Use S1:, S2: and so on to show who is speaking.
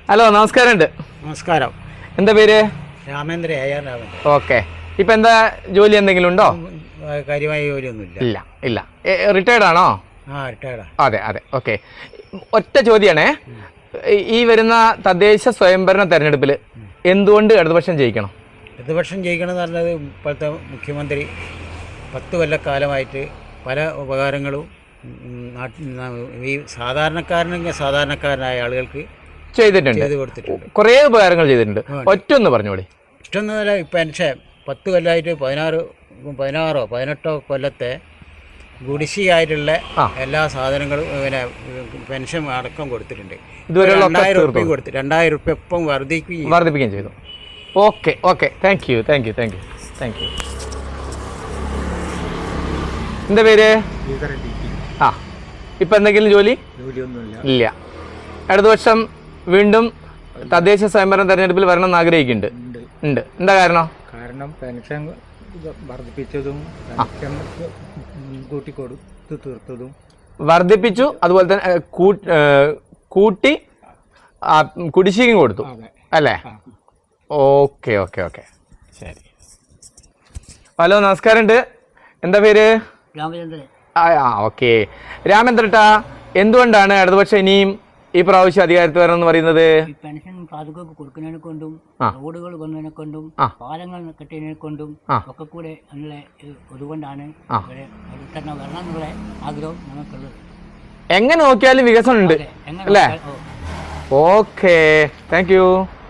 S1: Hello, നമസ്കാരമുണ്ട്.
S2: നമസ്കാരം.
S1: എന്താ പേര്?
S2: രാമേന്ദ്ര രാമൻ.
S1: ഓക്കെ. ഇപ്പം എന്താ ജോലി എന്തെങ്കിലും ഉണ്ടോ?
S2: കാര്യമായ ജോലിയൊന്നുമില്ല.
S1: ഇല്ല ഇല്ല. റിട്ടയർഡ് ആണോ?
S2: റിട്ടയർഡാ.
S1: അതെ അതെ. ഓക്കെ. ഒറ്റ ചോദ്യമാണേ, ഈ വരുന്ന തദ്ദേശ സ്വയംഭരണ തെരഞ്ഞെടുപ്പിൽ എന്തുകൊണ്ട് ഇടതുപക്ഷം ജയിക്കണം?
S2: ഇടതുപക്ഷം ജയിക്കണമെന്ന് പറഞ്ഞത് ഇപ്പോഴത്തെ മുഖ്യമന്ത്രി 10 കൊല്ലക്കാലമായിട്ട് പല ഉപകാരങ്ങളും ഈ സാധാരണക്കാരനായ ആളുകൾക്ക് ചെയ്ത് കൊടുത്തിട്ടുണ്ട്.
S1: കുറേ ഉപകാരങ്ങൾ ചെയ്തിട്ടുണ്ട്. ഒറ്റൊന്ന് പറഞ്ഞോളി.
S2: ഇഷ്ടമൊന്നുമല്ല. പെൻഷൻ 10 കൊല്ലമായിട്ട് 18 കൊല്ലത്തെ കുടിശ്ശികയായിട്ടുള്ള എല്ലാ സാധനങ്ങളും പിന്നെ പെൻഷൻ അടക്കം കൊടുത്തിട്ടുണ്ട്.
S1: ഇതുവരെ
S2: 2000 റുപ്യ കൊടുത്തു. 2000 റുപ്യ ഇപ്പം വർദ്ധിപ്പിക്കുകയും
S1: ചെയ്തു. Okay okay. Thank you. എന്താ പേര്? ഇപ്പം എന്തെങ്കിലും ജോലിയൊന്നുമില്ല. ഇല്ല. ഇടതുപക്ഷം വീണ്ടും തദ്ദേശ സ്വയംഭരണ തെരഞ്ഞെടുപ്പിൽ വരണം എന്ന് ആഗ്രഹിക്കുന്നുണ്ട്. എന്താ കാരണം?
S3: പെൻഷൻ വർദ്ധിപ്പിച്ചതും തീർത്തതും
S1: വർദ്ധിപ്പിച്ചു, അതുപോലെ തന്നെ കൂട്ടി കുടിശ്ശികയും കൊടുത്തു അല്ലേ? Okay okay okay. ശരി. ഹലോ, നമസ്കാരമുണ്ട്. എന്താ പേര്?
S2: രാമചന്ദ്രൻ.
S1: ഓക്കെ. രാമേന്ദ്രട്ടാ, എന്തുകൊണ്ടാണ് ഇടതുപക്ഷം ഇനിയും ഈ പ്രാവശ്യം അധികാരത്തിൽ വരണം എന്ന് പറയുന്നത്?
S4: പെൻഷൻ സാധുക്കൾക്ക് കൊടുക്കുന്നതിനെ കൊണ്ടും റോഡുകൾ വന്നതിനെ കൊണ്ടും പാലങ്ങൾ കെട്ടിയതിനെ കൊണ്ടും ഒക്കെ കൂടെ അതുകൊണ്ടാണ് വരണം എന്നുള്ള ആഗ്രഹം നമുക്കുള്ളത്.
S1: എങ്ങനെ നോക്കിയാലും വികസനം ഉണ്ട് അല്ലേ? ഓക്കെ. Thank U.